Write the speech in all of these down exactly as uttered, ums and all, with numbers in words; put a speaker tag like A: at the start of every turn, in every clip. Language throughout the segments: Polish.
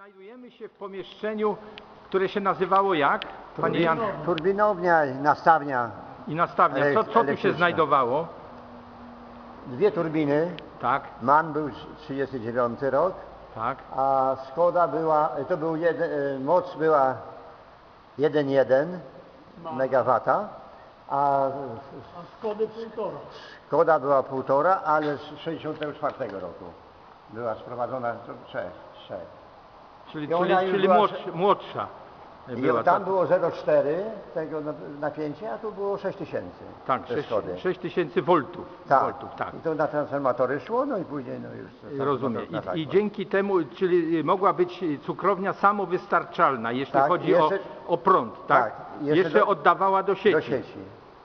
A: Znajdujemy się w pomieszczeniu, które się nazywało jak? Panie Jan?
B: Turbinownia, nastawnia.
A: I nastawnia. Co, co tu się znajdowało?
B: Dwie turbiny.
A: Tak.
B: MAN był trzydziesty dziewiąty rok,
A: Tak.
B: a Skoda była, to był jeden, moc była jeden przecinek jeden megawata, a
C: A Skody półtora.
B: Skoda była półtora, ale z sześćdziesiątego czwartego roku była sprowadzona do trzech. trzech.
A: Czyli,
B: I
A: czyli,
B: ona już
A: czyli
B: była-
A: młodsza, młodsza była.
B: I tam
A: ta-
B: było zero przecinek cztery tego napięcia, a tu było sześć tysięcy.
A: Tak, sześć tysięcy voltów.
B: Tak.
A: voltów, tak.
B: I to na transformatory szło, no i później no już... to
A: Rozumiem.
B: transformator na
A: I, I
B: tak,
A: dzięki temu, czyli mogła być cukrownia samowystarczalna, jeśli
B: Tak,
A: chodzi
B: jeszcze-
A: o, o prąd, tak?
B: tak, jeszcze
A: Jeszcze
B: do-
A: oddawała do sieci.
B: do sieci.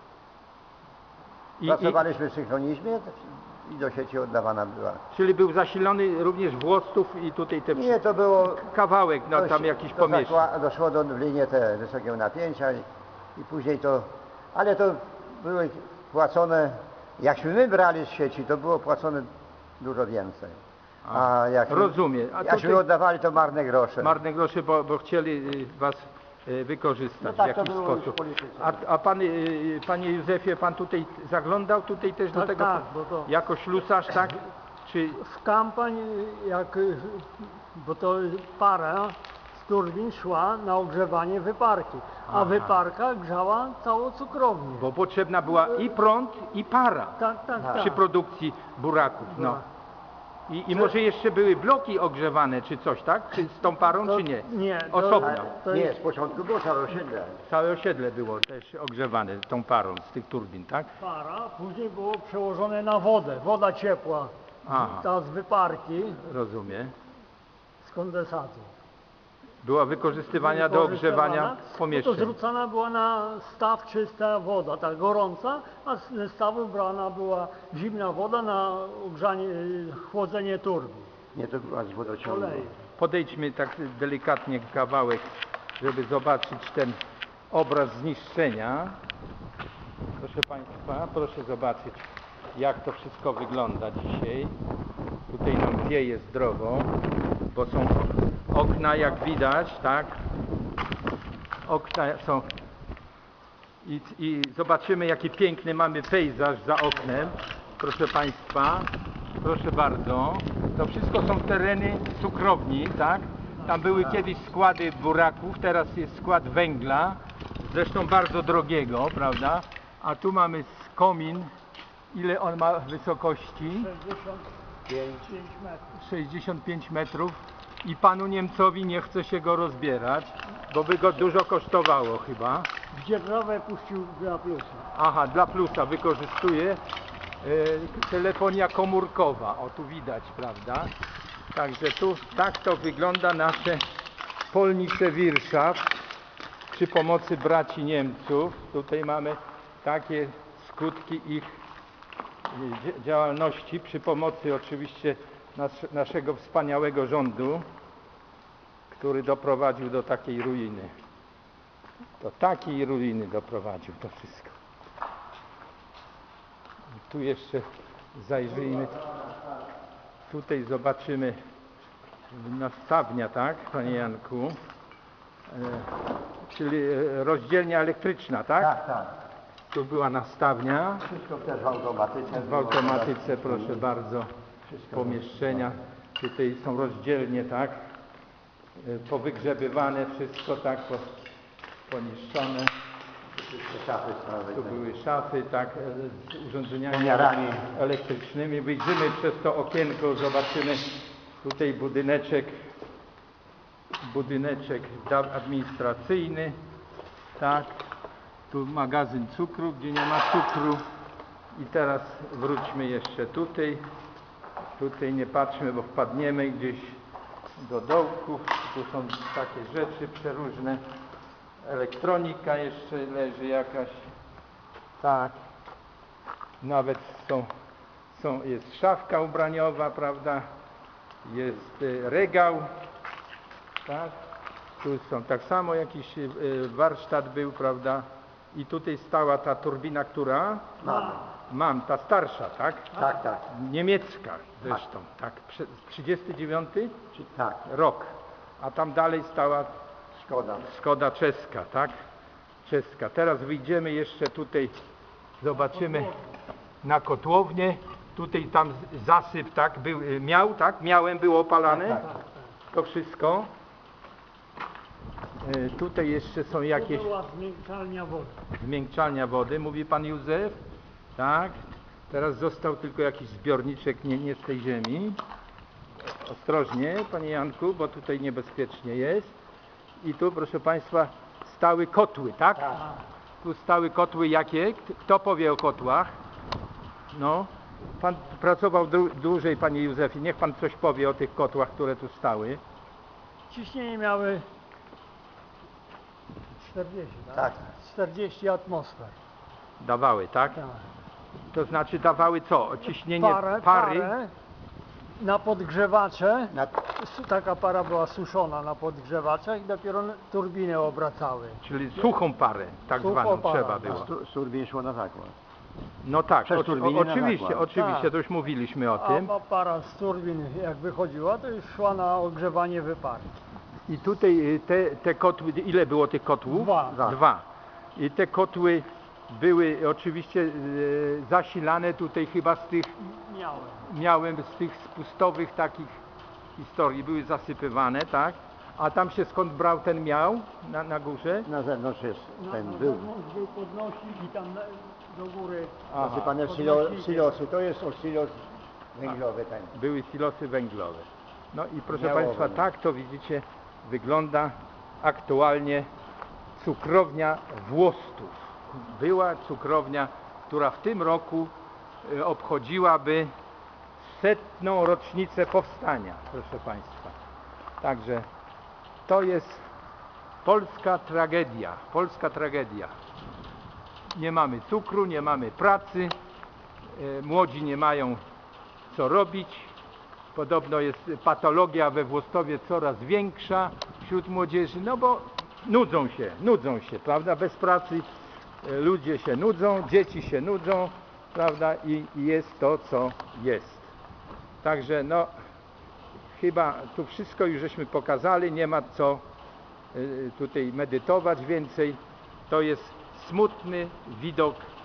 A: I, i,
B: Pracowaliśmy w synchronizmie i do sieci oddawana była.
A: czyli był zasilony również Włostów i tutaj te
B: Nie, to było...
A: kawałek, no
B: to
A: tam
B: się-
A: jakiś
B: to
A: pomieszczeń.
B: zakła- Doszło do w linię te wysokiego napięcia i, i później to... Ale to były płacone... Jakśmy my brali z sieci, to było płacone dużo więcej. A, jak
A: rozumiem. A
B: Jakśmy
A: tutaj-
B: oddawali, to marne grosze.
A: Marne grosze, bo, bo chcieli y, was y, wykorzystać
B: No tak
A: w
B: to
A: jakiś
B: było już w
A: sposób.
B: polityce.
A: A, a pan, y, panie Józefie, pan tutaj zaglądał tutaj też do
C: Tak,
A: tego
C: tak, bo to-
A: jako ślusarz, tak? Czy
C: W kampań, jak, bo to para z turbin szła na ogrzewanie wyparki, a
A: Aha.
C: wyparka grzała całą cukrownię.
A: bo potrzebna była i prąd, i para
C: Tak, tak, tak.
A: przy produkcji buraków. No.
C: Burak.
A: I, I może jeszcze były bloki ogrzewane, czy coś, tak? Czy z tą parą,
C: To-
A: czy nie?
C: nie, to-
A: Osobno.
C: to
B: Nie,
C: jest
B: z początku było całe osiedle.
A: Całe osiedle było też ogrzewane tą parą z tych turbin, tak?
C: para, później było przełożone na wodę, woda ciepła,
A: Aha.
C: ta z wyparki,
A: Rozumiem.
C: z kondensatu.
A: Była wykorzystywana do ogrzewania
C: To
A: pomieszczeń.
C: zrzucana była na staw czysta woda, tak gorąca, a z stawu brana była zimna woda na ogrzanie, chłodzenie turbin.
B: Nie, to była z wodociągu.
C: Oleju.
A: Podejdźmy tak delikatnie kawałek, żeby zobaczyć ten obraz zniszczenia. Proszę Państwa, proszę zobaczyć, jak to wszystko wygląda dzisiaj. Tutaj nam wieje zdrowo, bo są okna, jak widać, tak? Okna są i, i zobaczymy, jaki piękny mamy pejzaż za oknem. Proszę Państwa, proszę bardzo. To wszystko są tereny cukrowni, tak? Tam były kiedyś składy buraków, teraz jest skład węgla, zresztą bardzo drogiego, prawda? A tu mamy komin, ile on ma wysokości?
C: sześćdziesiąt pięć metrów.
A: sześćdziesiąt pięć metrów i panu Niemcowi nie chce się go rozbierać, bo by go dużo kosztowało chyba.
C: W dzierżawę puścił dla plusa.
A: Aha, dla plusa wykorzystuje e, telefonia komórkowa. O, tu widać, prawda? Także tu tak to wygląda nasze polnice Wirschaft przy pomocy braci Niemców. Tutaj mamy takie skutki ich e, dzia- działalności przy pomocy oczywiście nas, naszego wspaniałego rządu, który doprowadził do takiej ruiny. Do takiej ruiny doprowadził to wszystko. I tu jeszcze zajrzyjmy. Tutaj zobaczymy nastawnia, tak, panie Janku? E, czyli e, rozdzielnia elektryczna, tak?
B: Tak, tak.
A: Tu była nastawnia.
B: Wszystko też w automatyce.
A: W automatyce, proszę bardzo, pomieszczenia. Tutaj są rozdzielnie, tak? E, Powygrzebywane wszystko, tak? Po, poniszczone.
B: Wszystkie szafy stanowe.
A: Tu były szafy, tak, e, z urządzeniami
B: Pomiarami.
A: elektrycznymi. Wyjrzymy przez to okienko, zobaczymy tutaj budyneczek, budyneczek da- administracyjny, tak. Tu magazyn cukru, gdzie nie ma cukru. I teraz wróćmy jeszcze tutaj. Tutaj nie patrzmy, bo wpadniemy gdzieś do dołków. Tu są takie rzeczy przeróżne. Elektronika jeszcze leży jakaś. Tak. Nawet są, są, jest szafka ubraniowa, prawda? Jest y, regał. Tak. Tu są tak samo jakiś y, warsztat był, prawda? I tutaj stała ta turbina, która?
B: Mamy.
A: Mam, ta starsza, tak?
B: Tak, tak.
A: Niemiecka zresztą, tak. Prze- trzydziesty dziewiąty
B: Czy- Tak.
A: rok. a tam dalej stała
B: Szkoda.
A: Skoda czeska, tak? Czeska. Teraz wyjdziemy jeszcze tutaj, zobaczymy na kotłownię. Tutaj tam z- zasyp, tak? Był, y, miał, tak? Miałem było opalane.
B: Tak,
A: To wszystko. Y, Tutaj jeszcze są jakieś
C: To była zmiękczalnia wody.
A: zmiękczalnia wody, mówi pan Józef. Tak. Teraz został tylko jakiś zbiorniczek nie, nie z tej ziemi. Ostrożnie, panie Janku, bo tutaj niebezpiecznie jest. I tu, proszę państwa, stały kotły, tak? Tu stały kotły jakie? K- Kto powie o kotłach? No. Pan pracował dłu- dłużej, panie Józefie. Niech pan coś powie o tych kotłach, które tu stały.
C: Ciśnienie miały czterdzieści, tak?
B: Tak.
C: czterdzieści atmosfer.
A: Dawały, tak?
C: Tak.
A: To znaczy dawały co? Ciśnienie
C: Parę,
A: pary?
C: parę na podgrzewacze.
B: Na,
C: Su- Taka para była suszona na podgrzewaczach i dopiero turbiny obracały.
A: Czyli suchą parę, tak
C: Suchą
A: zwaną
C: parę,
A: trzeba
C: tak.
A: było.
B: z, tu- z turbin szło na zakład.
A: No tak,
B: Przez
A: o,
B: turbiny
A: o,
B: na
A: oczywiście,
B: zakład.
A: oczywiście,
C: Tak.
A: to już mówiliśmy o
C: A,
A: tym.
C: a para z turbin jak wychodziła, to już szła na ogrzewanie wyparu.
A: I tutaj y, te, te kotły, ile było tych kotłów?
C: Dwa.
B: Dwa.
A: Dwa. I te kotły były oczywiście y, zasilane tutaj chyba z tych,
C: Miałem.
A: miałem z tych spustowych takich historii, były zasypywane, tak? A tam się skąd brał ten miał na, na górze?
B: Na zewnątrz jest
C: Na,
B: ten
C: na
B: był.
C: zewnątrz był podnośnik i tam na, do góry.
A: Aha.
B: Zasypane w silo, silosy. To jest o silos węglowy ten.
A: Były silosy węglowe. No i proszę
B: Miało
A: Państwa,
B: węgiel.
A: tak to widzicie wygląda aktualnie cukrownia Włostów. Była cukrownia, która w tym roku y, obchodziłaby setną rocznicę powstania, proszę Państwa. Także to jest polska tragedia, polska tragedia. Nie mamy cukru, nie mamy pracy, y, młodzi nie mają co robić. Podobno jest patologia we Włostowie coraz większa wśród młodzieży, no bo nudzą się, nudzą się, prawda? Bez pracy e, ludzie się nudzą, dzieci się nudzą, prawda? I, i jest to, co jest. Także no, chyba tu wszystko już żeśmy pokazali, nie ma co e, tutaj medytować więcej. To jest smutny widok